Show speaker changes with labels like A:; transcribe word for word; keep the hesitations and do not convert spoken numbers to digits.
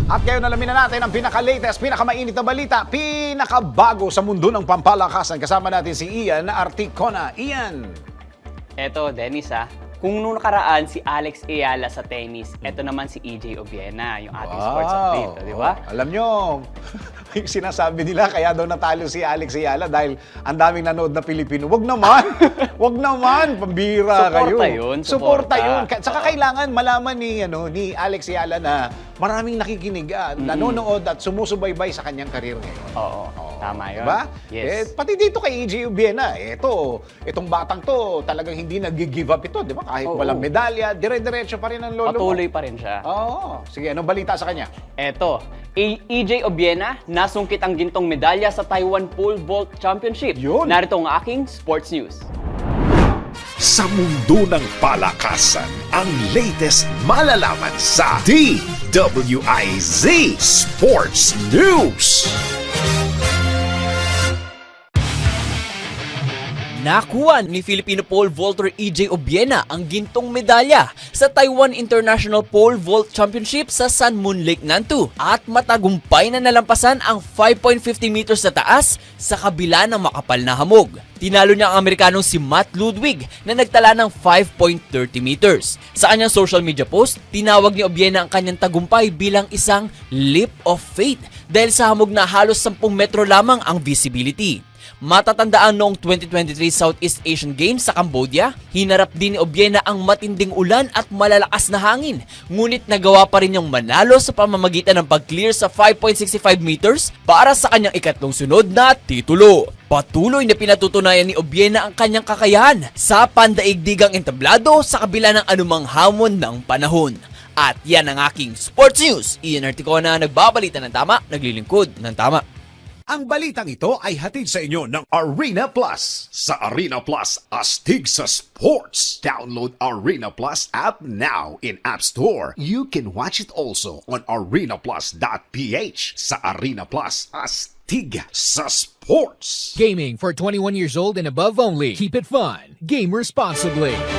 A: At ngayon alamin na natin ang pinaka-latest, pinaka-mainit na balita, pinakabago sa mundo ng pampalakasan. Kasama natin si Ian Articona. Ian!
B: Eto, Dennis ah. Kung nung nakaraan si Alex Ayala sa tennis, eto naman si E J Obiena, yung ating sports update, di ba?
A: Oh, alam nyo, yung sinasabi nila kaya daw natalo si Alex Ayala dahil ang daming nanood na Pilipino. Wag naman! Wag naman! Pambira kayo.
B: Suporta yun.
A: Suporta yun. Ka- Saka
B: Oo.
A: kailangan malaman ni, ano, ni Alex Ayala na maraming nakikinig, ah, nanonood at sumusubaybay sa kanyang karir ngayon.
B: Oo, tama yun.
A: Diba?
B: Yes.
A: Eh, pati dito kay E J Obiena, eto, itong batang to, talagang hindi nag-give up ito, di ba? Kahit
B: Oo.
A: walang medalya, dire-diretso pa rin ang lolo mo.
B: Patuloy pa rin siya.
A: Oo. Sige, anong balita sa kanya?
B: Eto, E- EJ Obiena, nasungkit ang gintong medalya sa Taiwan Pole Vault Championship.
A: Yun.
B: Narito ang aking sports news.
C: Sa mundo ng palakasan, ang latest malalaman sa D W I Z Sports News.
D: Nakuha ni Filipino pole vaulter E J Obiena ang gintong medalya sa Taiwan International Pole Vault Championship sa Sun Moon Lake, Nantou at matagumpay na nalampasan ang five point five zero meters na taas sa kabila ng makapal na hamog. Tinalo niya ang Amerikanong si Matt Ludwig na nagtala ng five point three zero meters. Sa kanyang social media post, tinawag ni Obiena ang kanyang tagumpay bilang isang leap of faith dahil sa hamog na halos ten metro lamang ang visibility. Matatandaan noong twenty twenty-three Southeast Asian Games sa Cambodia, hinarap din ni Obiena ang matinding ulan at malalakas na hangin. Ngunit nagawa pa rin niyang manalo sa pamamagitan ng pag-clear sa five point six five meters para sa kanyang ikatlong sunod na titulo. Patuloy na pinatutunayan ni Obiena ang kanyang kakayahan sa pandaigdigang entablado sa kabila ng anumang hamon ng panahon. At yan ang aking sports news. Ian Articona, nagbabalita ng tama, naglilingkod ng tama.
A: Ang balitang ito ay hatid sa inyo ng Arena Plus.
C: Sa Arena Plus, astig sa sports. Download Arena Plus app now in App Store. You can watch it also on arenaplus dot p h. Sa Arena Plus, astig sa sports.
E: Gaming for twenty-one years old and above only. Keep it fun. Game responsibly.